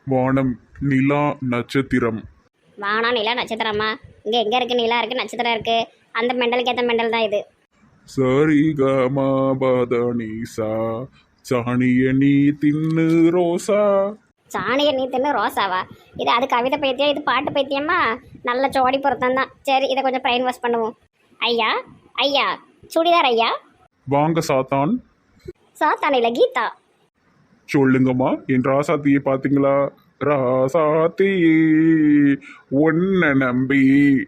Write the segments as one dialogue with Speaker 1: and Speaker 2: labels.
Speaker 1: வானம், நிலா, நட்சத்திரம்.
Speaker 2: வானம் நிலா நட்சத்திரமா? இங்கே எங்கே இருக்குது? நிலா இருக்குது, நட்சத்திரம் இருக்குது. அந்த மெண்டலுக்கு ஏற்ற மெண்டல் தான் இது.
Speaker 1: சரி கமா பதனிசா, சாணிய நீ தின்னு ரோசா.
Speaker 2: சாணியை நீ தின்னு ரோசாவா? இது அது கவிதை பைத்தியம், இது பாட்டு பைத்தியமா? நல்ல ஜோடி பொருத்தம் தான். சரி, இதை கொஞ்சம் பிரெயின் வாஷ் பண்ணுவோம். ஐயா, ஐயா, சுடிதார் ஐயா.
Speaker 1: வாங்க சாத்தான்.
Speaker 2: சாத்தான இல்லை, கீதா.
Speaker 1: சொல்லுங்கம்மா, என் ராசாத்தியை பார்த்தீங்களா? ராசாத்தி ஒன்ன நம்பி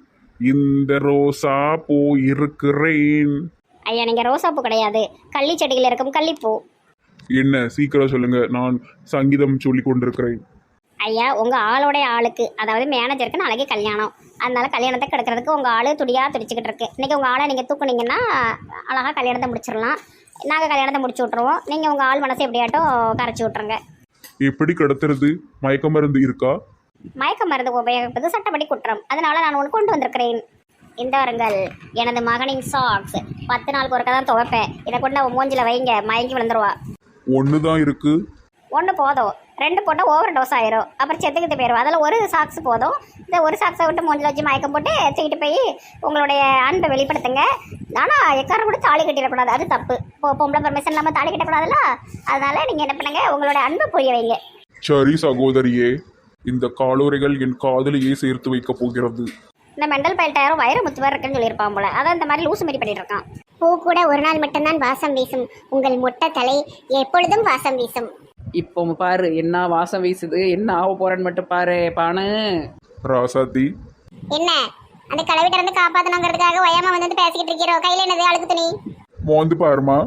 Speaker 1: இந்த ரோசா பூ இருக்கிறேன்.
Speaker 2: ஐயா, நீங்கள் ரோசாப்பூ கிடையாது, கள்ளி செடியில் இருக்கும் கள்ளிப்பூ.
Speaker 1: என்ன, சீக்கிரம் சொல்லுங்க, நான் சங்கீதம் சொல்லி கொண்டிருக்கிறேன்.
Speaker 2: ஐயா, உங்கள் ஆளோடைய ஆளுக்கு, அதாவது மேனேஜருக்கு நாளைக்கு கல்யாணம். அதனால கல்யாணத்தை கெடுக்கிறதுக்கு உங்கள் ஆளு துடியாக துடிச்சிக்கிட்டு இருக்கு. இன்றைக்கி உங்கள் ஆளை நீங்கள் தூக்குனீங்கன்னா அழகாக கல்யாணத்தை முடிச்சிடலாம். நாங்கள் கல்யாணத்தை முடிச்சு விட்ருவோம். நீங்கள் உங்கள் ஆள் மனசை எப்படியாட்டும் கரைச்சி விட்ருங்க.
Speaker 1: எப்படி கடத்துறது? மயக்க மருந்து இருக்கா?
Speaker 2: மயக்க மருந்து உபயோகிப்பது சட்டப்படி குற்றம். அதனால நான் ஒன்று கொண்டு வந்திருக்கிறேன். இந்த வருங்கள், எனது மகனின் சாக்ஸ். 10 நாளுக்கு ஒருக்கா தான் துவைப்பேன். இதை கொண்டு அவன் மூஞ்சில் வைங்க, மயங்கி விழுந்துருவா.
Speaker 1: ஒன்று தான் இருக்கு.
Speaker 2: ஒன்று போதும், 2 போட்டால் ஓவர் டோஸ் ஆயிரும். அப்புறம் செத்துக்கிட்டு போயிடும். அதில் ஒரு சாக்ஸ் போதும். இந்த ஒரு சாக்ஸை விட்டு மூஞ்சில் வச்சு மயக்கம் போட்டு தூக்கிட்டு போய் உங்களுடைய அன்பை வெளிப்படுத்துங்க. ஆனால் எக்காரம் கூட தாலி கட்டிடக்கூடாது, அது தப்பு. பொம்பளை பர்மிஷன் இல்லாமல் தாலி கட்டக்கூடாதுல்ல. அதனால நீங்கள் என்ன பண்ணுங்க, உங்களோட அன்பை புரிய வைங்க.
Speaker 1: சரி சகோதரியே, இந்த காலோரைகள் என் காதலியை சேர்த்து வைக்க போகிறது.
Speaker 2: இந்த மெண்டல் பயில்ட்ட யாரும் வயிறு முத்துவார் இருக்குன்னு சொல்லியிருப்பான் போல. அதான் இந்த மாதிரி லூசு மாரி பண்ணிட்டு இருக்கான்.
Speaker 3: பூ கூட ஒரு நாள் மட்டும்தான் வாசம் வீசும், உங்கள் மொட்டை தலை எப்பொழுதும் வாசம் வீசும்.
Speaker 4: இப்போ பாரு என்ன வாசம் வீசுது, என்ன ஆக போறேன்னு மட்டும் பாரு பானு.
Speaker 1: ராசாத்தி,
Speaker 3: என்ன அந்த கலவிட்ட இருந்து காப்பாத்தணுங்கிறதுக்காக வயமா வந்து பேசிக்கிட்டு இருக்கிறோம். கையில என்னது அழுக்கு துணி?
Speaker 1: மோந்து பாருமா.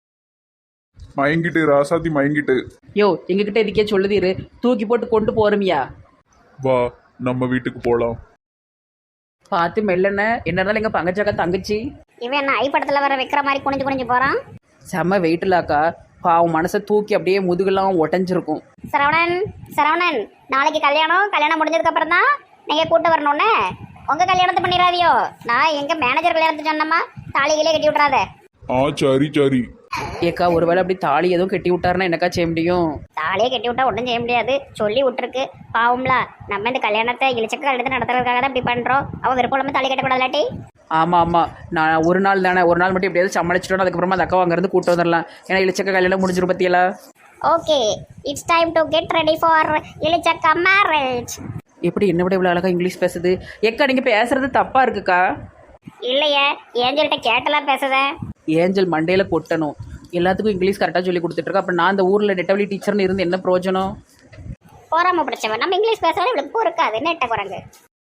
Speaker 1: மயங்கிட்டு ராசாத்தி, மயங்கிட்டு.
Speaker 4: யோ, எங்ககிட்ட இதுக்கே சொல்லுதீரு, தூக்கி போட்டு கொண்டு போறமியா?
Speaker 1: வா, நம்ம வீட்டுக்கு போலாம்.
Speaker 4: பார்த்து மெல்லன, என்ன இருந்தாலும் எங்க பங்கச்சாக்கா தங்கச்சி.
Speaker 2: இவன் என்ன ஐ படத்தில் வர வைக்கிற மாதிரி குனிஞ்சு குனிஞ்சு போகிறான்.
Speaker 4: செம்ம வெயிட்லாக்கா, பாவம் மனசை தூக்கி அப்படியே முதுகெல்லாம் ஒட்டஞ்சிருக்கும்.
Speaker 2: சரவணன், சரவணன், நாளைக்கு கல்யாணம் முடிஞ்சதுக்கு அப்புறம் தான் நீங்கள் கூட்டு வரணும்னு. உங்கள் கல்யாணத்தை பண்ணிடாதியோ. நான் எங்கள் மேனேஜர் கல்யாணத்தை சொன்னம்மா, தாலிகளே கட்டி விட்றாத.
Speaker 1: சரி சரி.
Speaker 4: ஏக்கா, ஒருவேளை அப்படி தாலி எதுவும் கட்டி விட்டாருன்னா என்னக்கா செய்ய முடியும்?
Speaker 2: தாலியே கட்டி விட்டா ஒன்றும் செய்ய முடியாது, சொல்லி விட்டுருக்கு. பாவம்ல, நம்ம இந்த கல்யாணத்தை இழிச்சக்க கல்யாணத்தை நடத்துறதுக்காக தான் இப்படி பண்ணுறோம். அவன் விருப்பம் இல்லாமல் தாலி கட்டக்கூடாதுலாட்டி.
Speaker 4: ஆமாம் ஆமாம், நான் ஒரு நாள் தானே, ஒரு நாள் மட்டும் எப்படியாவது சமாளிச்சிட்டோம். அதுக்கப்புறமா அந்த அக்கா அங்கேருந்து கூட்டு வந்துடலாம். ஏன்னா இழிச்சக்க கல்யாணம் முடிஞ்சிரும் பத்தியலா.
Speaker 2: Okay, it's time to get ready for இழிச்சக்கா மேரேஜ்.
Speaker 4: எப்படி என்ன விட இவ்வளோ அழகாக இங்கிலீஷ் பேசுது? ஏக்கா, நீங்கள் பேசுறது தப்பா இருக்குக்கா.
Speaker 2: இல்லையே, ஏஞ்சல்கிட்ட கேட்டெல்லாம் பேசுதேன்.
Speaker 4: ஏஞ்சல் மண்டையில் கொட்டணும். எல்லாத்துக்கும் இங்கிலீஷ் கரெக்டாக சொல்லி கொடுத்துட்ருக்கா. அப்போ நான் அந்த ஊரில் நெட்டவழி டீச்சர்னு இருந்து என்ன பிரயோஜனம்?
Speaker 2: போறாம பிடிச்சவன். நம்ம இங்கிலீஷ் பேசுறது இவளுக்கு பொறுக்காது. நெட்ட குரங்கு.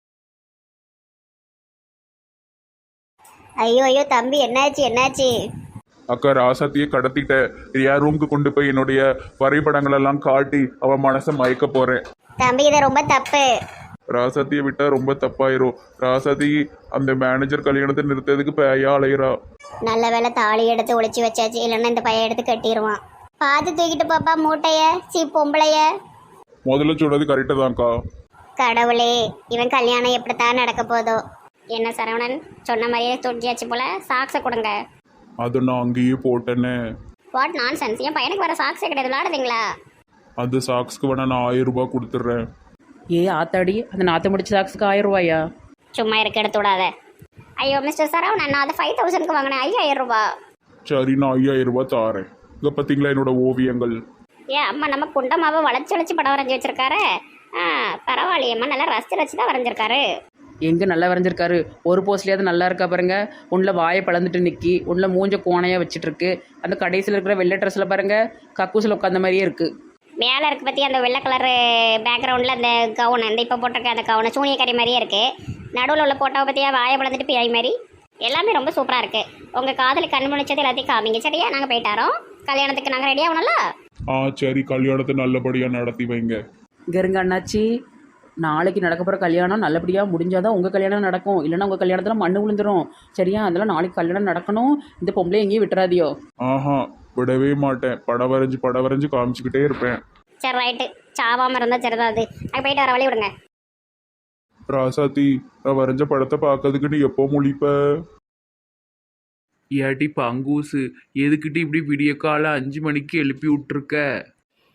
Speaker 2: ஐயோ ஐயோ தம்பி, என்னாச்சு என்னாச்சு?
Speaker 1: அக்கா, ராசாத்தியை கடத்திட்ட. என் ரூமுக்கு கொண்டு போய் என்னுடைய வரைபடங்கள் எல்லாம் காட்டி அவன் மனசை மயக்க போறேன்.
Speaker 2: தம்பி, இது ரொம்ப தப்பு.
Speaker 1: ராசாத்தியை விட்டா ரொம்ப தப்பாயிரும். ராசாத்தி அந்த மேனேஜர் கல்யாணத்தை நிறுத்ததுக்கு பேயா அலையிறா.
Speaker 2: நல்ல வேலை தாலி எடுத்து ஒளிச்சு வச்சாச்சு, இல்லைன்னா இந்த பையன் எடுத்து கட்டிடுவான். பார்த்து தூக்கிட்டு பாப்பா மூட்டைய. பொம்பளைய
Speaker 1: முதல்ல சொன்னது கரெக்டு தான்க்கா.
Speaker 2: கடவுளே, இவன் கல்யாணம் எப்படித்தான் நடக்க போதோ. என்ன சரவணன், சொன்ன மாதிரியே தொட்டியாச்சு போல. சாக்ஸை கொடுங்க.
Speaker 1: அதை நான் அங்கேயே போட்டேனே.
Speaker 2: வாட் நான் சென்ஸ்? என் பையனுக்கு வர சாக்ஸே கிடையாது, விளாடுறீங்களா?
Speaker 1: அந்த சாக்ஸ்க்கு வேணா நான் 1000 ரூபாய் கொடுத்துட்றேன்.
Speaker 4: ஏ ஆத்தாடி, அந்த நாற்று முடிச்ச சாக்ஸுக்கு 1000 ரூபாயா?
Speaker 2: சும்மா இருக்க, எடுத்து விடாத. ஐயோ மிஸ்டர் சரவணன், நான் அதை 5000க்கு வாங்கினேன். 5000 ரூபாய்.
Speaker 1: சரி, நான் 5000 ரூபாய் தாரேன். இங்கே பார்த்தீங்களா என்னோட ஓவியங்கள்?
Speaker 2: ஏன் அம்மா, நம்ம குண்டமாவை வளைச்சு படம் வரைஞ்சி வச்சிருக்காரு. பரவாயில்லையம்மா, நல்லா ரசிச்சு தான் வரைஞ்சிருக்காரு.
Speaker 4: எங்கே நல்லா வரைஞ்சிருக்காரு? ஒரு போஸ்ட்லேயாவது நல்லா இருக்கா பாருங்க. உள்ள வாயை பழந்துட்டு நிற்கி, உள்ள மூஞ்ச கோணையாக வச்சுட்ருக்கு. அந்த கடைசியில் இருக்கிற வெள்ளை ட்ரெஸ்ஸில் பாருங்க, கக்கூசில் உட்காந்த மாதிரியே இருக்குது.
Speaker 2: மேலே இருக்கு பற்றி அந்த வெள்ளை கலரு பேக்ரவுண்டில் அந்த கவுன், அந்த இப்போ போட்டிருக்க அந்த கவுனை சூனியக்காரி மாதிரியே இருக்குது. நடுவில் உள்ள போட்டோவை பற்றியா வாயை பழந்துட்டு பியாய் மாதிரி எல்லாமே ரொம்ப சூப்பராக இருக்குது. உங்கள் காதலுக்கு கண் முடிச்சது எல்லாத்தையும் காமிங்க, சரியா? நாங்கள் போயிட்டாரோம். கல்யாணத்துக்கு நாங்கள் ரெடி ஆகணும்ல.
Speaker 1: சரி, கல்யாணத்தை நல்லபடியாக நடத்தி வைங்க.
Speaker 4: இங்கே இருங்க அண்ணாச்சி, நாளைக்கு நடக்க போகிற கல்யாணம் நல்லபடியாக முடிஞ்சாதான் உங்கள் கல்யாணம் நடக்கும். இல்லைன்னா உங்கள் கல்யாணத்தில் மண்ணு விழுந்துடும், சரியா? அதெல்லாம் நாளைக்கு கல்யாணம் நடக்கணும். இந்த பொம்பளை எங்கேயும் விட்டுறாதியோ.
Speaker 1: விடவே மாட்டேன். படம் வரைஞ்சு காமிச்சுக்கிட்டே இருப்பேன்.
Speaker 2: சரி, ரைட்டு. சாவாமல் இருந்தால் சரிதான். அது அங்கே போயிட்டு வர வழி விடுங்க.
Speaker 1: ராசாத்தி, நான் வரைஞ்ச படத்தை பார்க்கறதுக்கு நீ எப்போ முழிப்ப?
Speaker 5: ஏட்டி பங்கூசு, எதுக்கிட்டு இப்படி விடிய காலை 5 மணிக்கு எழுப்பி விட்டுருக்க?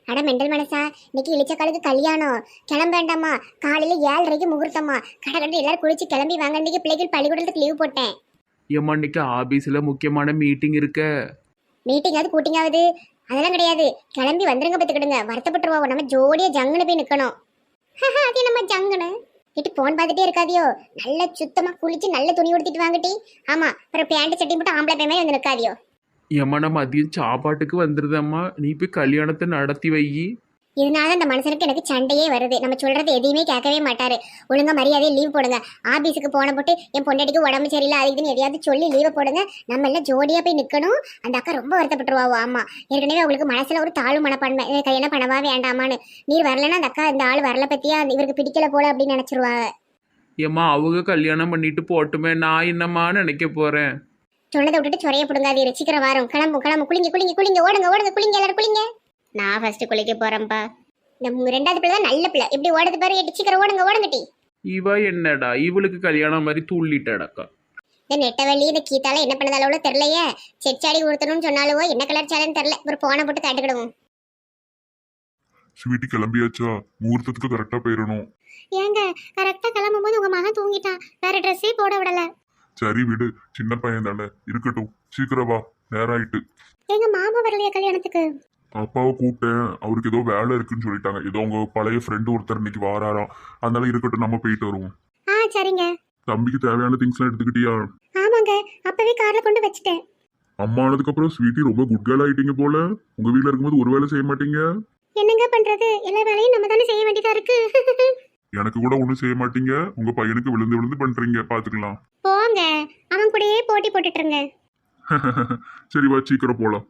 Speaker 3: அட மெண்டல் மனசா, இன்னைக்கு இளிச்சக்காலுக்கு கல்யாணம், கிளம்ப வேண்டாமா? காலையில 7:30க்கு முகூர்த்தமா. கடை எல்லாரும் குளிச்சு கிளம்பி வாங்க. இன்னைக்கு பிள்ளைகள் பள்ளிக்கூடத்துக்கு லீவ் போட்டேன்.
Speaker 5: ஏம்மா இன்னைக்கு ஆபீஸில் முக்கியமான மீட்டிங் இருக்க.
Speaker 3: மீட்டிங்காவது கூட்டிங்காவது அதெல்லாம் கிடையாது. கிளம்பி வந்துருங்க, பத்துக்கிடுங்க. வருத்தப்பட்டுருவோம். நம்ம ஜோடியா ஜங்குன்னு போய் நிக்கணும். அது நம்ம ஜங்குன்னு கிட்ட போன் பார்த்துட்டே இருக்காதியோ. நல்ல சுத்தமா குளிச்சு நல்ல துணி உடுத்திட்டு வாங்கட்டி. ஆமா, அப்புறம் பேண்ட் சட்டி போட்டு ஆம்பளை பையமே வந்து நிற்காதியோ.
Speaker 5: ஏம்மா நான் மதியம் சாப்பாட்டுக்கு வந்துருதம்மா, நீ போய் கல்யாணத்தை நடத்தி வை.
Speaker 3: இதனால அந்த மனுஷனுக்கு எனக்கு சண்டையே வருது. நம்ம சொல்றது எதையுமே கேட்கவே மாட்டாரு. ஒழுங்கா மரியாதையை லீவ் போடுங்க. ஆபீஸுக்கு போன போட்டு என் பொண்டாட்டிக்கு உடம்பு சரியில்லை அது இதுன்னு எதையாவது சொல்லி லீவை போடுங்க. நம்ம எல்லாம் ஜோடியா போய் நிக்கணும். அந்த அக்கா ரொம்ப வருத்தப்பட்டுருவாவோ. ஆமா, ஏற்கனவே அவங்களுக்கு மனசுல ஒரு தாழ்வு மனப்பான்மை, கல்யாணம் பண்ணவா வேண்டாமான்னு. நீர் வரலன்னா அந்த அக்கா இந்த ஆள் வரல பத்தியா இவருக்கு பிடிக்கல போல அப்படின்னு நினைச்சிருவாங்க.
Speaker 5: ஏம்மா அவங்க கல்யாணம் பண்ணிட்டு போட்டுமே, நான் என்னம்மா நினைக்க போறேன்.
Speaker 3: சொன்னதை விட்டுட்டு சொறைய பிடுங்காதீரு. சீக்கிரம் வரும். கிளம்பும் கிளம்பு. குளிங்க குளிங்க குளிங்க. ஓடுங்க ஓடுங்க. குளிங்க எல்லாரும் குளிங்க. நான் ஃபர்ஸ்ட் குளிக்க போறேன்ப்பா. இந்த ரெண்டாவது பிள்ளை தான் நல்ல பிள்ளை. எப்படி ஓடுது பாரு. சீக்கிரம் ஓடுங்க ஓடுங்கட்டி.
Speaker 5: இவ என்னடா இவளுக்கு கல்யாணம் மாதிரி துள்ளிட்டடக்கா.
Speaker 3: இந்த நெட்டவள்ளி இந்த கீத்தால என்ன பண்ணதாலோ தெரியலையே. செச்சாடி கொடுத்தணும்னு சொன்னாலோ என்ன கலர் சாலைன்னு தெரியல. ஒரு போனை போட்டு காட்டுக்கிடுவோம்.
Speaker 1: ஸ்வீட்டி கிளம்பியாச்சா? முகூர்த்தத்துக்கு கரெக்டா போயிடணும்.
Speaker 3: ஏங்க கரெக்டா கிளம்பும் போது உங்க மகன் தூங்கிட்டான். வேற ட்ரெஸ்ஸே போட விடல.
Speaker 1: சரி விடு, சின்ன பையன் தானே, இருக்கட்டும். சீக்கிரம் வா, நேரம் ஆயிட்டு.
Speaker 3: எங்க மாமா வரலையா கல்யாணத்துக்கு?
Speaker 1: அப்பாவை கூப்பிட்டேன், அவருக்கு ஏதோ வேலை இருக்குன்னு சொல்லிட்டாங்க. ஏதோ உங்க பழைய ஃப்ரெண்டு ஒருத்தர் இன்னைக்கு வாராராம். அதனால இருக்கட்டும், நம்ம போயிட்டு வருவோம்.
Speaker 3: சரிங்க.
Speaker 1: தம்பிக்கு தேவையான திங்ஸ் எல்லாம் எடுத்துக்கிட்டியா?
Speaker 3: ஆமாங்க, அப்பவே கார்ல கொண்டு வச்சுட்டேன்.
Speaker 1: அம்மா ஆனதுக்கு அப்புறம் ஸ்வீட்டி ரொம்ப குட் கேர்ள் ஆயிட்டீங்க போல. உங்க வீட்ல இருக்கும்போது ஒரு வேலை செய்ய மாட்டீங்க.
Speaker 3: என்னங்க பண்றது, எல்லா வேலையும் நம்ம தானே செய்ய வேண்டியதா இருக்கு.
Speaker 1: எனக்கு கூட ஒண்ணும் செய்ய மாட்டீங்க. உங்க பையனுக்கு விழுந்து விழுந்து பண்றீங்க, பாத்துக்கலாம்.
Speaker 3: போங்க, அவன் கூடயே போட்டி போட்டுட்டுருங்க.
Speaker 1: சரி வா, சீக்கிரம் போலாம்.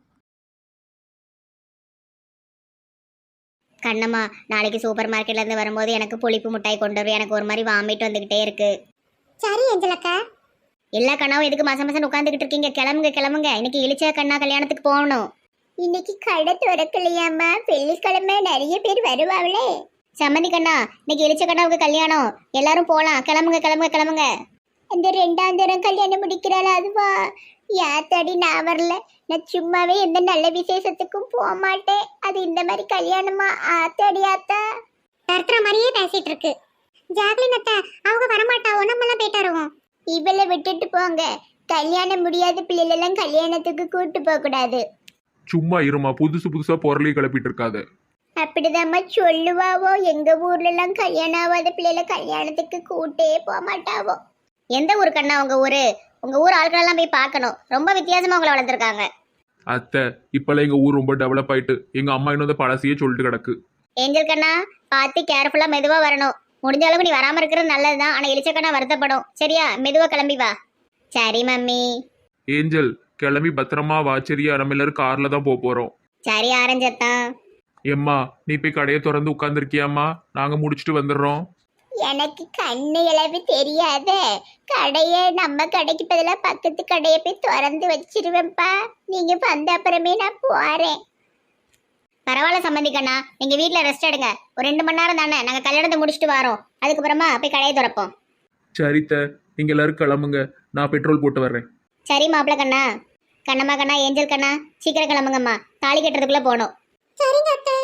Speaker 3: கண்ணம்மா, நாளைக்கு சூப்பர் மார்க்கெட்ல இருந்து வரும்போது எனக்கு புளிப்பு மிட்டாய் கொண்டு வரும். எனக்கு ஒரு மாதிரி வாமிட் வந்துகிட்டே இருக்கு. சரி அஞ்சலக்கா. எல்லா கண்ணாவும் எதுக்கு மாசம் மாசம் உட்காந்துக்கிட்டு இருக்கீங்க? கிளம்புங்க கிளம்புங்க. இன்னைக்கு இளிச்ச கண்ணா கல்யாணத்துக்கு போகணும். இன்னைக்கு கடை திறக்கலையாம்மா, வெள்ளிக்கிழமை நிறைய பேர் வருவாங்களே. சம்மந்தி கண்ணா, இன்னைக்கு இளிச்ச கண்ணாவுக்கு கல்யாணம், எல்லாரும் போலாம். கிளம்புங்க கிளம்புங்க கிளம்புங்க. இந்த 2ஆம் தரம் கல்யாணம் முடிக்கிறாள் அதுவா? யாத்தாடி நான் வரல. நான் சும்மாவே எந்த நல்ல விசேஷத்துக்கும் போக மாட்டேன். அது இந்த மாதிரி கல்யாணமா? ஆத்தாடி ஆத்தா தர்த்துற மாதிரியே பேசிட்டு இருக்கு. ஜாக்லின் அத்தா அவங்க வரமாட்டாவோ, நம்மளாம் போயிட்டு வருவோம். இவளை விட்டுட்டு போங்க. கல்யாணம் முடியாத பிள்ளைகளெல்லாம் கல்யாணத்துக்கு கூட்டு போக கூடாது.
Speaker 5: சும்மா இருமா, புதுசு புதுசா பொருளையும் கிளப்பிட்டு இருக்காது.
Speaker 3: அப்படிதாம்மா சொல்லுவாவோ. எங்க ஊர்ல எல்லாம் கல்யாணம் ஆகாத பிள்ளைல கல்யாணத்துக்கு கூட்டே போக மாட்டாவோ. எந்த ஊரு கண்ணா உங்க ஊரு? உங்க ஊர் ஆட்களெல்லாம் போய் பார்க்கணும். ரொம்ப வித்தியாசமா உங்களை வளர்த்துருக்காங்க.
Speaker 5: அத்தை இப்பெல்லாம் எங்க ஊர் ரொம்ப டெவலப் ஆயிட்டு. எங்க அம்மா இன்னும் அந்த பழசையே சொல்லிட்டு கிடக்கு.
Speaker 3: ஏஞ்சல் கண்ணா, பார்த்து கேர்ஃபுல்லா மெதுவா வரணும். முடிஞ்ச அளவுக்கு நீ வராம இருக்கிறது நல்லதுதான். ஆனா இளிச்சக்கண்ணா வருத்தப்படும். சரியா? மெதுவா கிளம்பி வா. சரி மம்மி.
Speaker 5: ஏஞ்சல் கிளம்பி பத்திரமா வா. சரியா? நம்ம எல்லாரும் கார்ல தான் போறோம்.
Speaker 3: சரி ஆரஞ்சத்தான்.
Speaker 5: எம்மா நீ போய் கடையை திறந்து உட்காந்துருக்கியாம்மா? நாங்க முடிச்சுட்டு வந்துடுறோம்.
Speaker 3: எனக்கு கண்ணு இளவு தெரியாத கடையை நம்ம கடைக்கு பதிலாக பக்கத்து கடையை போய் திறந்து வச்சிருவேன்ப்பா. நீங்க வந்த அப்புறமே நான் போறேன். பரவாயில்ல சம்மந்திக்கண்ணா, நீங்க வீட்டுல ரெஸ்ட் எடுங்க. ஒரு 2 மணி நேரம் தானே, நாங்க கல்யாணத்தை முடிச்சுட்டு வரோம். அதுக்கப்புறமா போய் கடையை திறப்போம்.
Speaker 5: சரித்த, நீங்க எல்லாரும் கிளம்புங்க, நான் பெட்ரோல் போட்டு வர்றேன்.
Speaker 3: சரி மாப்பிள்ள கண்ணா. கண்ணம்மா கண்ணா, ஏஞ்சல் கண்ணா, சீக்கிரம் கிளம்புங்கம்மா. தாலி கட்டுறதுக்குள்ள போகணும். சரிங்க அத்தை.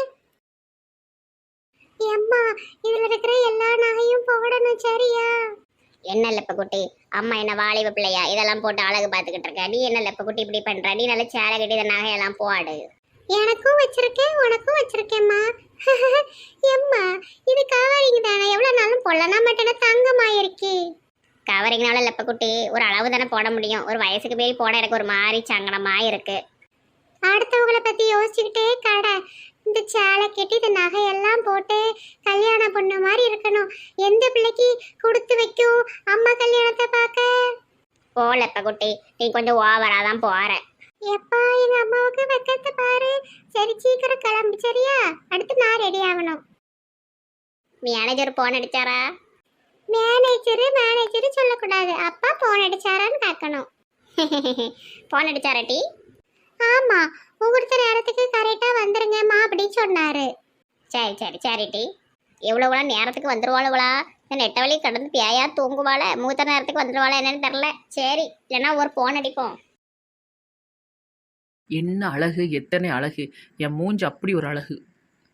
Speaker 3: அம்மா, இதுல இருக்கிற எல்லா நகையும் போடணும். சரியா? என்ன லெப்ப குட்டி, அம்மா என்ன வாலிப பிள்ளையா இதெல்லாம் போட்டு அழகு பார்த்துக்கிட்டு இருக்க? நீ என்ன லெப்ப குட்டி இப்படி பண்ற? நீ நல்ல சேலை கட்டி இந்த நகையெல்லாம் போடு. எனக்கும் வச்சிருக்கேன், உனக்கும் வச்சிருக்கேம்மா. எம்மா, இது கவரிங் தானே, எவ்வளவு நாளும் போடலாம். மட்டும் தங்கமாயிருக்கு. கவரிங்னால லெப்ப குட்டி ஒரு அளவு தானே போட முடியும். ஒரு வயசுக்கு போய் போட எனக்கு ஒரு மாதிரி சங்கடமா இருக்கு. அடுத்தவங்களை பத்தி யோசிச்சுக்கிட்டே கடை. இந்த சேலை கட்டி இந்த நகையெல்லாம் போட்டு கல்யாண பொண்ணு மாதிரி இருக்கணும். எந்த பிள்ளைக்கு கொடுத்து வைக்கும் அம்மா கல்யாணத்தை பார்க்க? போலப்ப குட்டி, நீ கொஞ்சம் ஓவரா தான் போற. எப்பா, எங்க அம்மாவுக்கு வெக்கத்தை பாரு. சரி சீக்கிரம் கிளம்பு. சரியா? அடுத்து நான் ரெடி ஆகணும். Manager phone அடிச்சாரா? மேனேஜர் சொல்லக்கூடாது. அப்பா போன் அடிச்சாரான்னு கேட்கணும். போன் அடிச்சாரா டி? ஆமா, முகூர்த்த நேரத்துக்கு கரெக்டா வந்துருங்கம்மா அப்படின்னு சொன்னாரு. சரி சரி சரி டி. எவ்வளவுளா நேரத்துக்கு வந்துருவாளுவளா? இந்த நெட்ட வழி கடந்து பேயா தூங்குவாள? முகூர்த்த நேரத்துக்கு வந்துருவாளா என்னன்னு தெரியல. சரி, இல்லைன்னா ஒரு போன் அடிப்போம்.
Speaker 4: என்ன அழகு, எத்தனை அழகு! என் மூஞ்சி அப்படி ஒரு அழகு.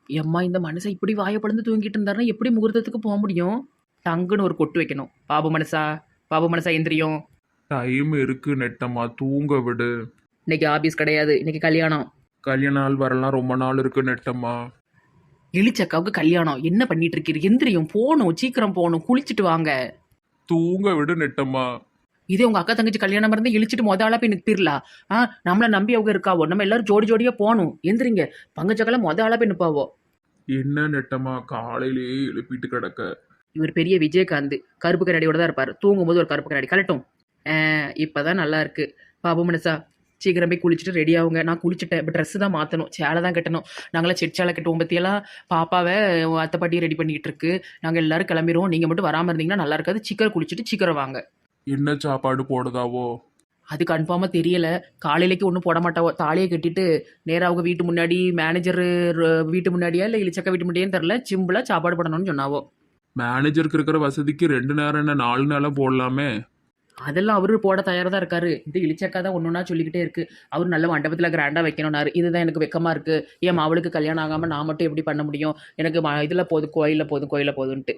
Speaker 4: எம்மா இந்த மனுஷன் இப்படி வாயை பிளந்து தூங்கிட்டு இருந்தாருன்னா எப்படி முகூர்த்தத்துக்கு போக முடியும்? டங்குன்னு ஒரு கொட்டு வைக்கணும். பாபு மனசா எந்திரியும்.
Speaker 1: டைம் இருக்கு நெட்டம்மா, தூங்க விடு.
Speaker 4: இன்னைக்கு ஆபீஸ் கிடையாது, இன்னைக்கு கல்யாணம்.
Speaker 1: கல்யாண நாள் வரலாம், ரொம்ப நாள் இருக்கு நெட்டம்மா.
Speaker 4: இளிச்சக்காவுக்கு கல்யாணம். என்ன பண்ணிட்டு இருக்கீங்க? எந்திரியும், போகணும், சீக்கிரம் போகணும், குளிச்சுட்டு வாங்க.
Speaker 1: தூங்க விடு நெட்டம்மா.
Speaker 4: இதே உங்க அக்கா தங்கச்சி கல்யாணம் இருந்து இழிச்சிட்டு ஆளா போய் நிற்பிரலா? நம்மளை நம்பி அவங்க இருக்காவோ, நம்ம எல்லாரும் ஜோடி ஜோடியா போகணும். எந்திரிங்க, பங்கச்சக்கெல்லாம் ஆளா போய் நிற்பாவோ.
Speaker 1: என்ன நெட்டம்மா காலையிலேயே எழுப்பிட்டு கிடக்க?
Speaker 4: இவர் பெரிய விஜயகாந்த், கருப்பு கண்ணாடியோட தான் இருப்பார். தூங்கும்போது ஒரு கருப்பு கண்ணாடி கலட்டும். இப்போதான் நல்லா இருக்கு. பாபு மனசா சீக்கிரம் போய் குளிச்சுட்டு ரெடி ஆகுங்க. நான் குளிச்சுட்டேன், இப்போ ட்ரெஸ்ஸு தான் மாற்றணும், சேலை தான் கட்டணும். நாங்களாம் செட்சாலை கட்டுவோம் பற்றியெல்லாம். பாப்பாவை அத்தை பாட்டியை ரெடி பண்ணிக்கிட்டு இருக்கு. நாங்கள் எல்லாரும் கிளம்பிடுவோம். நீங்கள் மட்டும் வராமல் இருந்தீங்கன்னா நல்லா இருக்காது. சீக்கிரம் குளிச்சுட்டு சீக்கிரம் வாங்க.
Speaker 1: என்ன சாப்பாடு போடுதாவோ?
Speaker 4: அது கன்ஃபார்மாக தெரியல. காலையிலேக்கு ஒன்றும் போட மாட்டாவோ. தாலியை கட்டிட்டு நேராக அவங்க வீட்டு முன்னாடி, மேனேஜர் வீட்டு முன்னாடியா இல்லை இளிச்சக்கா வீட்டு முன்னாடியே தெரில, சிம்பிளாக சாப்பாடு போடணும்னு சொன்னாவோ.
Speaker 1: மேனேஜருக்கு இருக்கிற வசதிக்கு 2 நேரம் என்ன 4 நேரம் போடலாமே.
Speaker 4: அதெல்லாம் அவரு போட தயாராக தான் இருக்காரு. இது இளிச்சக்கா தான் ஒன்றுனா சொல்லிக்கிட்டே இருக்கு. அவர் நல்ல மண்டபத்தில் கிராண்டாக வைக்கணும்னாரு. இதுதான் எனக்கு வெக்கமாக இருக்கு. ஏன் அவளுக்கு கல்யாணம் ஆகாமல் நான் மட்டும் எப்படி பண்ண முடியும்? எனக்கு இதில் போதும், கோயிலில் போதுன்ட்டு.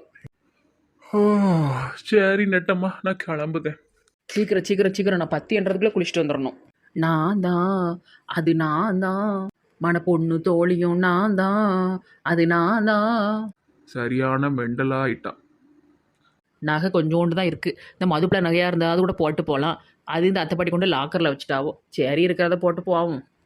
Speaker 1: சரி நெட்டம்மா, நான் கிளம்புதேன்.
Speaker 4: சீக்கிரம் நான் 10 குளிச்சுட்டு வந்துடணும். நான் தான், அது நான் தான், மன பொண்ணு தோழியும் நான் தான், அது நான் தான்.
Speaker 1: சரியான மெண்டலா ஆயிட்டான்.
Speaker 4: நகை கொஞ்சோண்டு தான் இருக்குது. இந்த மதுப்பில் நகையாக இருந்தால் அது கூட போட்டு போகலாம். அது இந்த அத்தைப்பாட்டி கொண்டு லாக்கரில் வச்சுட்டாவோ. சரி இருக்கிறத போட்டு போவோம்.